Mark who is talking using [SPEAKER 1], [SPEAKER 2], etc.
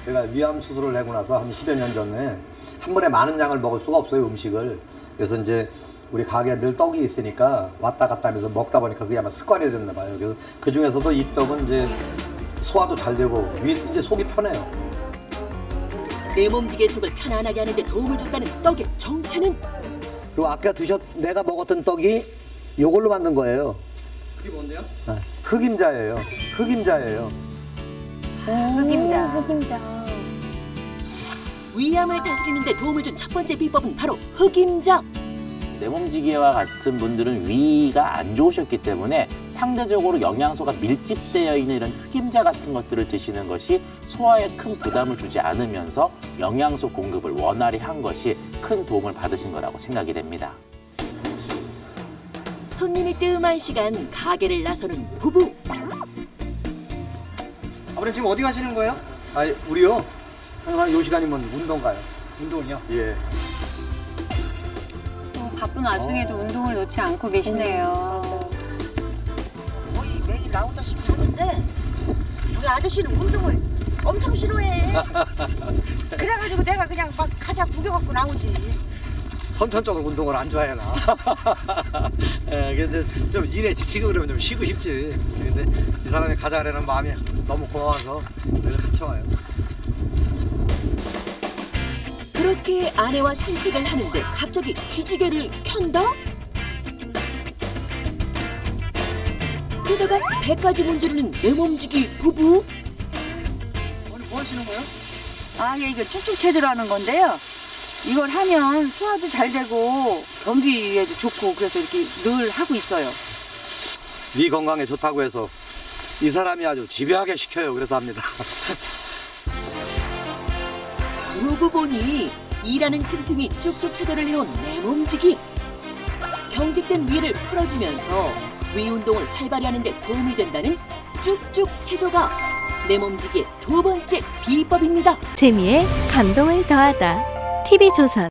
[SPEAKER 1] 제가 위암 수술을 하고 나서 한 10여 년 전에 한 번에 많은 양을 먹을 수가 없어요, 음식을. 그래서 이제 우리 가게에 늘 떡이 있으니까 왔다 갔다 하면서 먹다 보니까 그게 아마 습관이 됐나 봐요. 그래서 그 중에서도 이 떡은 이제 소화도 잘 되고 이제 속이 편해요.
[SPEAKER 2] 내 몸지게 속을 편안하게 하는데 도움을 준다는 떡의 정체는?
[SPEAKER 1] 그리고 아까 내가 먹었던 떡이 이걸로 만든 거예요.
[SPEAKER 3] 그게 뭔데요?
[SPEAKER 1] 흑임자예요. 흑임자예요.
[SPEAKER 4] 흑임자.
[SPEAKER 2] 위암을 다스리는 데 도움을 준 첫 번째 비법은 바로 흑임자.
[SPEAKER 5] 내몸지기와 같은 분들은 위가 안 좋으셨기 때문에 상대적으로 영양소가 밀집되어 있는 이런 흑임자 같은 것들을 드시는 것이 소화에 큰 부담을 주지 않으면서 영양소 공급을 원활히 한 것이 큰 도움을 받으신 거라고 생각이 됩니다.
[SPEAKER 2] 손님이 뜸한 시간 가게를 나서는 부부.
[SPEAKER 3] 아버님 지금 어디 가시는 거예요?
[SPEAKER 1] 아니, 우리요. 항상 요 시간이면 운동 가요.
[SPEAKER 3] 운동이요?
[SPEAKER 1] 예.
[SPEAKER 4] 바쁜 와중에도 운동을 놓지 않고 계시네요.
[SPEAKER 6] 거의 매일 나오다시피 하는데 우리 아저씨는 운동을 엄청 싫어해. 그래가지고 내가 그냥 막 가자 구겨갖고 나오지.
[SPEAKER 1] 선천적으로 운동을 안 좋아해나. 예, 근데 좀 일에 지치고 그러면 좀 쉬고 싶지. 근데 이 사람이 가자라는 마음이 너무 고마워서 늘 같이 와요.
[SPEAKER 2] 그렇게 아내와 산책을 하는데 갑자기 기지개를 켠다? 게다가 배까지 문지르는 내몸지기 부부?
[SPEAKER 3] 오늘 뭐 하시는 거예요?
[SPEAKER 6] 이거 쭉쭉 체조라는 건데요. 이걸 하면 소화도 잘 되고 변비에도 좋고 그래서 이렇게 늘 하고 있어요.
[SPEAKER 1] 위 건강에 좋다고 해서 이 사람이 아주 집요하게 시켜요. 그래서 합니다.
[SPEAKER 2] 그러고 보니 일하는 틈틈이 쭉쭉 체조를 해온 내몸지기. 경직된 위를 풀어주면서 위 운동을 활발히 하는 데 도움이 된다는 쭉쭉 체조가 내몸지기의 두 번째 비법입니다.
[SPEAKER 7] 재미에 감동을 더하다. TV조선